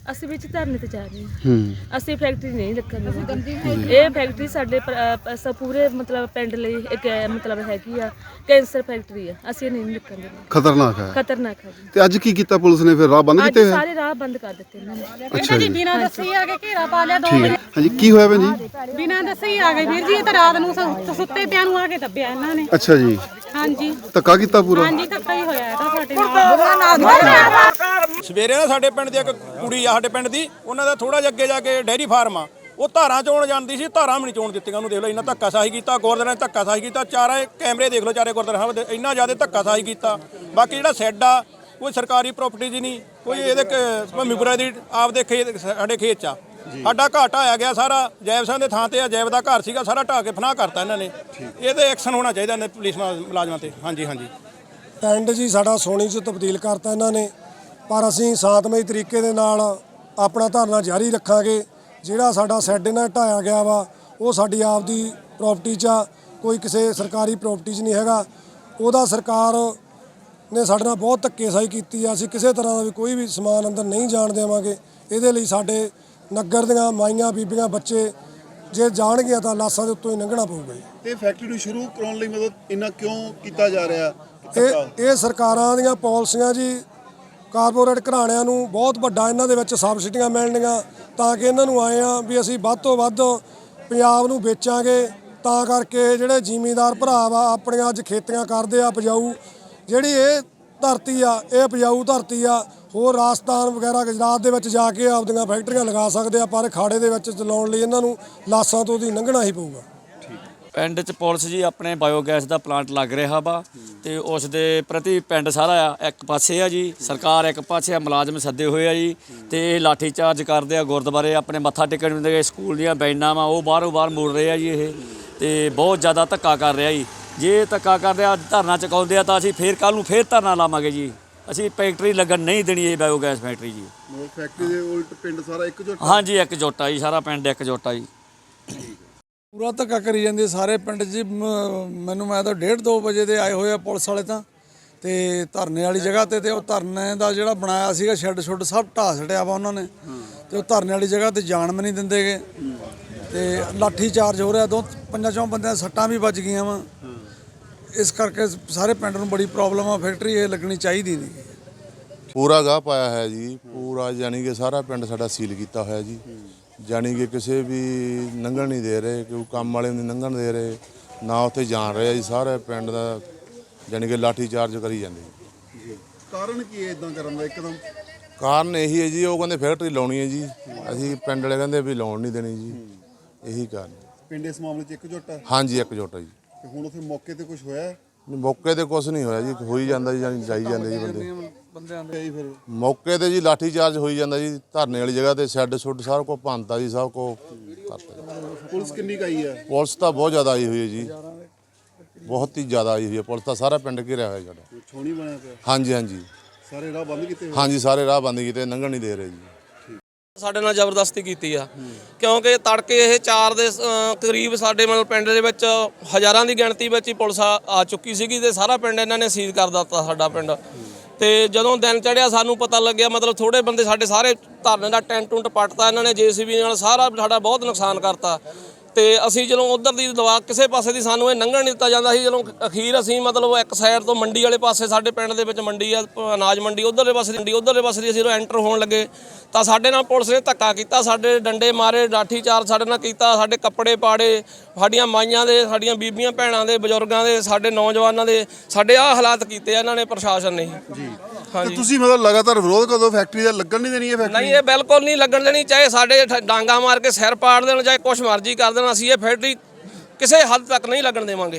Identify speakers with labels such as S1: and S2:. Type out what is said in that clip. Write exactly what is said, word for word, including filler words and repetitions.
S1: ਅਸੀਂ ਵਿੱਚ ਧਰਨੇ ਤੇ ਜਾ ਰਹੇ ਹਾਂ।
S2: ਹੂੰ
S1: ਅਸੀਂ ਫੈਕਟਰੀ ਨਹੀਂ ਲੱਗਣ ਦੇਵਾਂਗੇ। ਇਹ ਫੈਕਟਰੀ ਸਾਡੇ ਪ- ਅ, ਸ- ਪੂਰੇ ਮਤਲਬ ਪਿੰਡ ਲਈ ਇੱਕ ਅ, ਮਤਲਬ ਹੈਗੀ ਆ ਕੈਂਸਰ ਫੈਕਟਰੀ ਆ। ਅਸੀਂ ਇਹ ਨਹੀਂ ਲੱਗਣ ਦੇਵਾਂਗੇ।
S2: ਖਤਰਨਾਕ ਹੈ।
S1: ਖਤਰਨਾਕ ਹੈ ਜੀ।
S2: ਤੇ ਅੱਜ ਕੀ ਕੀਤਾ ਪੁਲਿਸ ਨੇ ਫਿਰ ਰਾਹ ਬੰਦ
S1: ਅੱਜ
S2: ਕੀਤੇ ਹੋਏ?
S1: ਸਾਰੇ ਰਾਹ ਬੰਦ ਕਰ ਦਿੱਤੇ ਇਹਨਾਂ ਨੇ।
S2: ਅੱਛਾ ਜੀ
S3: ਬਿਨਾਂ ਦੱਸੇ ਆ ਕੇ ਘੇਰਾ ਪਾ ਲਿਆ ਦੋ
S2: ਠੀਕ ਹੈ। ਹਾਂਜੀ ਕੀ ਹੋਇਆ ਭੈਣ ਜੀ?
S3: ਬਿਨਾਂ ਦੱਸੇ ਹੀ ਆ ਗਏ ਵੀਰ ਜੀ। ਇਹ ਤਾਂ ਰਾਤ ਨੂੰ ਸੁ- ਸੁੱਤੇ ਪਿਆਂ ਨੂੰ ਆ ਕੇ ਦੱਬਿਆ ਇਹਨਾਂ ਨੇ।
S2: ਅੱਛਾ ਜੀ
S3: ਹਾਂਜੀ
S2: ਧੱਕਾ ਕੀਤਾ ਪੂਰਾ?
S3: ਹਾਂਜੀ ਧੱਕਾ ਹੀ ਹੋਇਆ ਇਹ ਤਾਂ ਸਾਡੇ ਨਾਲ।
S4: ਸਵੇਰੇ ਨਾ ਸਾਡੇ ਪਿੰਡ ਦੀ ਇੱਕ ਕੁੜੀ ਆ, ਸਾਡੇ ਪਿੰਡ ਦੀ, ਉਹਨਾਂ ਦਾ ਥੋੜਾ ਜਿਹਾ ਅੱਗੇ ਜਾ ਕੇ ਡੈਰੀ ਫਾਰਮ ਆ, ਉਹ ਧਾਰਾਂ ਚੋਣ ਜਾਂਦੀ ਸੀ, ਧਾਰਾਂ ਵੀ ਨਹੀਂ ਚੋਣ ਦਿੱਤੀਆਂ ਉਹਨੂੰ। ਦੇਖ ਲਓ ਇੰਨਾ ਧੱਕਾ ਸਾਹੀ ਕੀਤਾ, ਗੁਰਦੁਆਰੇ ਨੇ ਧੱਕਾ ਸਾਹੀ ਕੀਤਾ, ਚਾਰੇ ਕੈਮਰੇ ਦੇਖ ਲਓ, ਚਾਰੇ ਗੁਰਦੁਆਰੇ ਸਾਹਿਬ ਦੇ ਇੰਨਾ ਜ਼ਿਆਦਾ ਧੱਕਾ ਸਾਹੀ ਕੀਤਾ। ਬਾਕੀ ਜਿਹੜਾ ਸੈੱਡ ਆ ਕੋਈ ਸਰਕਾਰੀ ਪ੍ਰਾਪਰਟੀ ਦੀ ਨਹੀਂ, ਕੋਈ ਇਹਦੇ ਭੂਮੀਪੁਰਾ ਦੀ ਆਪਦੇ ਖੇਤ, ਸਾਡੇ ਖੇਤ 'ਚ ਆ। ਸਾਡਾ ਘਾਟ ਆਇਆ ਗਿਆ ਸਾਰਾ, ਜੈਬ ਸਿੰਘ ਦੇ ਥਾਂ ਤੇ ਆ, ਜੈਬ ਦਾ ਘਰ ਸੀਗਾ, ਸਾਰਾ ਢਾਹ ਕੇ ਫਨਾਹ ਕਰਤਾ ਇਹਨਾਂ ਨੇ। ਇਹਦੇ ਐਕਸ਼ਨ ਹੋਣਾ ਚਾਹੀਦਾ ਨੇ ਪੁਲਿਸ ਮੁਲਾਜ਼ਮਾਂ ਤੇ। ਹਾਂਜੀ ਹਾਂਜੀ
S5: ਪਿੰਡ ਜੀ ਸਾਡਾ ਸੋਨੀ 'ਚ ਤਬਦੀਲ ਕਰਤਾ ਇਹਨਾਂ ਨੇ, ਪਰ ਅਸੀਂ ਸ਼ਾਂਤਮਈ ਤਰੀਕੇ ਦੇ ਨਾਲ ਆਪਣਾ ਧਰਨਾ ਜਾਰੀ ਰੱਖਾਂਗੇ। ਜਿਹੜਾ ਸਾਡਾ ਸ਼ੈੱਡ ਇਹਨਾਂ ਢਾਇਆ ਗਿਆ ਵਾ ਉਹ ਸਾਡੀ ਆਪਦੀ ਪ੍ਰਾਪਰਟੀ 'ਚ ਆ, ਕੋਈ ਕਿਸੇ ਸਰਕਾਰੀ ਪ੍ਰਾਪਰਟੀ 'ਚ ਨਹੀਂ ਹੈਗਾ। ਉਹਦਾ ਸਰਕਾਰ ਨੇ ਸਾਡੇ ਨਾਲ ਬਹੁਤ ਧੱਕੇਸ਼ਾਹੀ ਕੀਤੀ ਆ। ਅਸੀਂ ਕਿਸੇ ਤਰ੍ਹਾਂ ਦਾ ਵੀ ਕੋਈ ਵੀ ਸਮਾਨ ਅੰਦਰ ਨਹੀਂ ਜਾਣ ਦੇਵਾਂਗੇ। ਇਹਦੇ ਲਈ ਸਾਡੇ ਨਗਰ ਦੀਆਂ ਮਾਈਆਂ ਬੀਬੀਆਂ ਬੱਚੇ ਜੇ ਜਾਣਗੀਆਂ ਤਾਂ ਲਾਸਾਂ ਦੇ ਉੱਤੋਂ ਹੀ ਲੰਘਣਾ ਪਊਗਾ ਜੀ।
S6: ਤੇ ਫੈਕਟਰੀ ਨੂੰ ਸ਼ੁਰੂ ਕਰਾਉਣ ਲਈ ਮਤਲਬ ਇੰਨਾ ਕਿਉਂ ਕੀਤਾ ਜਾ ਰਿਹਾ?
S5: ਇਹ ਇਹ ਸਰਕਾਰਾਂ ਦੀਆਂ ਪਾਲਿਸੀਆਂ ਜੀ। ਕਾਰਪੋਰੇਟ ਘਰਾਣਿਆਂ ਨੂੰ ਬਹੁਤ ਵੱਡਾ ਇਹਨਾਂ ਦੇ ਵਿੱਚ ਸਬਸਿਡੀਆਂ ਮਿਲਣਗੀਆਂ ਤਾਂ ਕਿ ਇਹਨਾਂ ਨੂੰ ਆਏ ਆ ਵੀ ਅਸੀਂ ਵੱਧ ਤੋਂ ਵੱਧ ਪੰਜਾਬ ਨੂੰ ਵੇਚਾਂਗੇ। ਤਾਂ ਕਰਕੇ ਜਿਹੜੇ ਜ਼ਿਮੀਂਦਾਰ ਭਰਾ ਵਾ ਆਪਣੀਆਂ ਅੱਜ ਖੇਤੀਆਂ ਕਰਦੇ ਆ ਉਪਜਾਊ, ਜਿਹੜੀ ਇਹ ਧਰਤੀ ਆ ਇਹ ਉਪਜਾਊ ਧਰਤੀ ਆ। ਹੋਰ ਰਾਜਸਥਾਨ ਵਗੈਰਾ ਗੁਜਰਾਤ ਦੇ ਵਿੱਚ ਜਾ ਕੇ ਆਪਦੀਆਂ ਫੈਕਟਰੀਆਂ ਲਗਾ ਸਕਦੇ ਆ, ਪਰ ਖਾੜੇ ਦੇ ਵਿੱਚ ਚਲਾਉਣ ਲਈ ਇਹਨਾਂ ਨੂੰ ਲਾਸਾਂ ਤੋਂ ਦੀ ਲੰਘਣਾ ਹੀ ਪਊਗਾ।
S7: ਪਿੰਡ 'ਚ ਪੁਲਿਸ ਜੀ ਆਪਣੇ ਬਾਇਓਗੈਸ ਦਾ ਪਲਾਂਟ ਲੱਗ ਰਿਹਾ ਵਾ ਤੇ ਉਸ ਦੇ ਪ੍ਰਤੀ ਪਿੰਡ ਸਾਰਾ ਆ ਇੱਕ ਪਾਸੇ ਆ ਜੀ, ਸਰਕਾਰ ਇੱਕ ਪਾਸੇ ਆ, ਮੁਲਾਜ਼ਮ ਸੱਦੇ ਹੋਏ ਆ ਜੀ। ਤੇ ਇਹ ਲਾਠੀ ਚਾਰਜ ਕਰਦੇ ਆ, ਗੁਰਦੁਆਰੇ ਆਪਣੇ ਮੱਥਾ ਟੇਕਣ ਨੂੰ ਦੇ, ਸਕੂਲ ਦੀਆਂ ਬੈਨਾਂ ਵਾ ਉਹ ਬਾਹਰੋਂ ਬਾਹਰ ਮੋੜ ਰਹੇ ਆ ਜੀ। ਇਹ ਤੇ ਬਹੁਤ ਜ਼ਿਆਦਾ ਧੱਕਾ ਕਰ ਰਿਹਾ ਜੀ। ਜੇ ਧੱਕਾ ਕਰਦੇ ਆ, ਧਰਨਾ ਚੁਕਾਉਂਦੇ ਆ ਤਾਂ ਅਸੀਂ ਫੇਰ ਕੱਲ੍ਹ ਨੂੰ ਫੇਰ ਧਰਨਾ ਲਾਵਾਂਗੇ ਜੀ। ਅਸੀਂ ਫੈਕਟਰੀ ਲੱਗਣ ਨਹੀਂ ਦੇਣੀ ਇਹ ਬਾਇਓਗੈਸ ਫੈਕਟਰੀ ਜੀ।
S6: ਮਤਲਬ ਫੈਕਟਰੀ ਦੇ ਉਲਟ ਪਿੰਡ ਸਾਰਾ ਇੱਕਜੁੱਟ?
S7: ਹਾਂਜੀ ਇੱਕਜੁੱਟ ਆ ਜੀ, ਸਾਰਾ ਪਿੰਡ ਇੱਕਜੁੱਟ ਆ ਜੀ।
S8: ਪੂਰਾ ਧੱਕਾ ਕਰੀ ਜਾਂਦੀ ਸਾਰੇ ਪਿੰਡ 'ਚ। ਮੈਨੂੰ ਮੈਂ ਤਾਂ ਡੇਢ ਦੋ ਵਜੇ ਦੇ ਆਏ ਹੋਏ ਆ ਪੁਲਿਸ ਵਾਲੇ ਤਾਂ, ਤੇ ਧਰਨੇ ਵਾਲੀ ਜਗ੍ਹਾ ਤੇ ਤੇ ਉਹ ਧਰਨੇ ਦਾ ਜਿਹੜਾ ਬਣਾਇਆ ਸੀਗਾ ਸ਼ੈੱਡ ਸ਼ੁੱਡ ਸਭ ਢਾਹ ਛੱਡਿਆ ਵਾ ਉਹਨਾਂ ਨੇ। ਤੇ ਉਹ ਧਰਨੇ ਵਾਲੀ ਜਗ੍ਹਾ ਤੇ ਜਾਣ ਵੀ ਨਹੀਂ ਦਿੰਦੇਗੇ ਤੇ ਲਾਠੀ ਚਾਰਜ ਹੋ ਰਿਹਾ। ਦੋ ਪੰਜਾਂ ਚੋਂ ਬੰਦਿਆਂ ਦੀਆਂ ਸੱਟਾਂ ਵੀ ਵੱਜ ਗਈਆਂ ਵਾ। ਇਸ ਕਰਕੇ ਸਾਰੇ ਪਿੰਡ ਨੂੰ ਬੜੀ ਪ੍ਰੋਬਲਮ ਆ। ਫੈਕਟਰੀ ਇਹ ਲੱਗਣੀ ਚਾਹੀਦੀ ਨਹੀਂ।
S9: ਪੂਰਾ ਗਾਹ ਪਾਇਆ ਹੈ ਜੀ, ਪੂਰਾ ਜਾਣੀ ਕਿ ਸਾਰਾ ਪਿੰਡ ਸਾਡਾ ਸੀਲ ਕੀਤਾ ਹੋਇਆ ਜੀ। ਜਾਣੀ ਕਿ ਕਿਸੇ ਵੀ ਲੰਘਣ ਨਹੀਂ ਦੇ ਰਹੇ, ਕੋਈ ਕੰਮ ਵਾਲੇ ਨੂੰ ਨਹੀਂ ਲੰਘਣ ਦੇ ਰਹੇ, ਨਾ ਉੱਥੇ ਜਾਣ ਰਹੇ ਜੀ। ਸਾਰੇ ਪਿੰਡ ਦਾ ਜਾਣੀ ਕਿ ਲਾਠੀ ਚਾਰਜ ਕਰੀ ਜਾਂਦੇ ਜੀ।
S6: ਕਾਰਨ ਕੀ ਹੈ ਇਦਾਂ ਕਰਨ ਦਾ ਇੱਕਦਮ?
S9: ਕਾਰਨ ਇਹੀ ਹੈ ਜੀ, ਉਹ ਕਹਿੰਦੇ ਫੈਕਟਰੀ ਲਾਉਣੀ ਹੈ ਜੀ, ਅਸੀਂ ਪਿੰਡ ਵਾਲੇ ਕਹਿੰਦੇ ਵੀ ਲਾਉਣ ਨਹੀਂ ਦੇਣੀ ਜੀ। ਇਹੀ ਕਾਰਨ।
S6: ਪਿੰਡ ਇਸ ਮਾਮਲੇ 'ਚ ਇੱਕਜੁੱਟ ਹੈ?
S9: ਹਾਂਜੀ ਇੱਕਜੁੱਟ ਹੈ ਜੀ।
S6: ਤੇ ਹੁਣ ਉੱਥੇ ਮੌਕੇ ਤੇ ਕੁਝ ਹੋਇਆ?
S9: ਮੌਕੇ ਤੇ ਕੁਝ ਨਹੀਂ ਹੋਇਆ ਜੀ, ਹੋਈ ਜਾਂਦਾ ਜੀ, ਜਾਣੀ ਜਾਈ ਜਾਂਦੇ ਜੀ ਬੰਦੇ
S6: ਬੰਦਿਆਂ ਦੇ ਫਿਰ
S9: ਮੌਕੇ ਤੇ ਜੀ। ਲਾਠੀ ਚਾਰਜ ਹੋਈ ਜਾਂਦਾ ਜੀ। ਧਰਨੇ ਵਾਲੀ ਜਗ੍ਹਾ ਤੇ ਸ਼ੈੱਡ ਸ਼ੁੱਡ ਸਾਰਾ ਕੁਝ ਭੰਨਤਾ ਜੀ, ਸਭ ਕੁਝ ਕਰਤਾ ਜੀ।
S6: ਪੁਲਿਸ ਕਿੰਨੀ ਕਾਈ ਹੈ?
S9: ਪੁਲਿਸ ਤਾਂ ਬਹੁਤ ਜ਼ਿਆਦਾ ਆਈ ਹੋਈ ਹੈ ਜੀ, ਬਹੁਤ ਹੀ ਜ਼ਿਆਦਾ ਆਈ ਹੋਈ ਹੈ ਪੁਲਿਸ ਤਾਂ। ਸਾਰਾ ਪਿੰਡ ਘਿਰਿਆ ਹੋਇਆ ਸਾਡਾ।
S6: ਛੋਣੀ ਬਣਿਆ ਪਿਆ?
S9: ਹਾਂਜੀ ਹਾਂਜੀ
S6: ਸਾਰੇ ਰਾਹ ਬੰਦ ਕੀਤੇ ਹੋਏ?
S9: ਹਾਂਜੀ ਸਾਰੇ ਰਾਹ ਬੰਦ ਕੀਤੇ, ਲੰਘਣ ਨਹੀਂ ਦੇ ਰਹੇ ਜੀ।
S10: ਸਾਡੇ ਨਾਲ ਜ਼ਬਰਦਸਤੀ ਕੀਤੀ ਆ, ਕਿਉਂਕਿ ਤੜਕੇ ਇਹ ਚਾਰ ਦੇ ਕਰੀਬ ਸਾਡੇ ਮਤਲਬ ਪਿੰਡ ਦੇ ਵਿੱਚ ਹਜ਼ਾਰਾਂ ਦੀ ਗਿਣਤੀ ਵਿੱਚ ਹੀ ਪੁਲਿਸ ਆ ਚੁੱਕੀ ਸੀਗੀ ਤੇ ਸਾਰਾ ਪਿੰਡ ਇਹਨਾਂ ਨੇ ਸੀਜ਼ ਕਰ ਦਿੱਤਾ ਸਾਡਾ ਪਿੰਡ। ਤੇ ਜਦੋਂ ਦਿਨ ਚੜ੍ਹਿਆ ਸਾਨੂੰ ਪਤਾ ਲੱਗਿਆ, ਮਤਲਬ ਥੋੜੇ ਬੰਦੇ ਸਾਡੇ ਸਾਰੇ ਧਰਨੇ ਦਾ ਟੈਂਟ ਟੁੰਟ ਪੱਟਤਾ ਇਹਨਾਂ ਨੇ, ਜੇਸੀਬੀ ਨਾਲ ਸਾਰਾ ਸਾਡਾ ਬਹੁਤ ਨੁਕਸਾਨ ਕਰਤਾ। ਤੇ ਅਸੀਂ ਜਦੋਂ ਉਧਰ ਦੀ ਦਵਾ ਕਿਸੇ ਪਾਸੇ ਦੀ ਸਾਨੂੰ ਇਹ ਲੰਘਣ ਨਹੀਂ ਦਿੱਤਾ ਜਾਂਦਾ ਸੀ। ਜਦੋਂ ਅਖੀਰ ਅਸੀਂ ਮਤਲਬ ਇੱਕ ਸਾਈਡ ਤੋਂ ਮੰਡੀ ਵਾਲੇ ਪਾਸੇ, ਸਾਡੇ ਪਿੰਡ ਦੇ ਵਿੱਚ ਮੰਡੀ ਆ ਅਨਾਜ ਮੰਡੀ, ਉਧਰਲੇ ਪਾਸੇ ਦੀ ਮੰਡੀ, ਉਧਰਲੇ ਪਾਸੇ ਦੀ ਅਸੀਂ ਜਦੋਂ ਐਂਟਰ ਹੋਣ ਲੱਗੇ ਤਾਂ ਸਾਡੇ ਨਾਲ ਪੁਲਿਸ ਨੇ ਧੱਕਾ ਕੀਤਾ, ਸਾਡੇ ਡੰਡੇ ਮਾਰੇ, ਲਾਠੀ ਚਾਰਜ ਸਾਡੇ ਨਾਲ ਕੀਤਾ, ਸਾਡੇ ਕੱਪੜੇ ਪਾੜੇ, ਸਾਡੀਆਂ ਮਾਈਆਂ ਦੇ, ਸਾਡੀਆਂ ਬੀਬੀਆਂ ਭੈਣਾਂ ਦੇ, ਬਜ਼ੁਰਗਾਂ ਦੇ, ਸਾਡੇ ਨੌਜਵਾਨਾਂ ਦੇ, ਸਾਡੇ ਆਹ ਹਾਲਾਤ ਕੀਤੇ ਆ ਇਹਨਾਂ ਨੇ ਪ੍ਰਸ਼ਾਸਨ ਨੇ ਜੀ।
S6: ਤੇ ਤੁਸੀਂ ਮਤਲਬ ਲਗਾਤਾਰ ਵਿਰੋਧ ਕਦੋਂ ਫੈਕਟਰੀ ਦਾ ਲੱਗਣ ਨਹੀਂ ਦੇਣੀ? ਇਹ ਫੈਕਟਰੀ
S10: ਨਹੀਂ, ਇਹ ਬਿਲਕੁਲ ਨਹੀਂ ਲੱਗਣ ਦੇਣੀ। ਚਾਹੇ ਸਾਡੇ ਡਾਂਗਾ ਮਾਰ ਕੇ ਸਿਰ ਪਾੜ ਦੇਣ, ਚਾਹੇ ਕੁਛ ਮਰਜ਼ੀ ਕਰ ਦੇਣ, ਅਸੀਂ ਇਹ ਫੈਕਟਰੀ ਕਿਸੇ ਹੱਦ ਤੱਕ ਨਹੀਂ ਲੱਗਣ ਦੇਵਾਂਗੇ।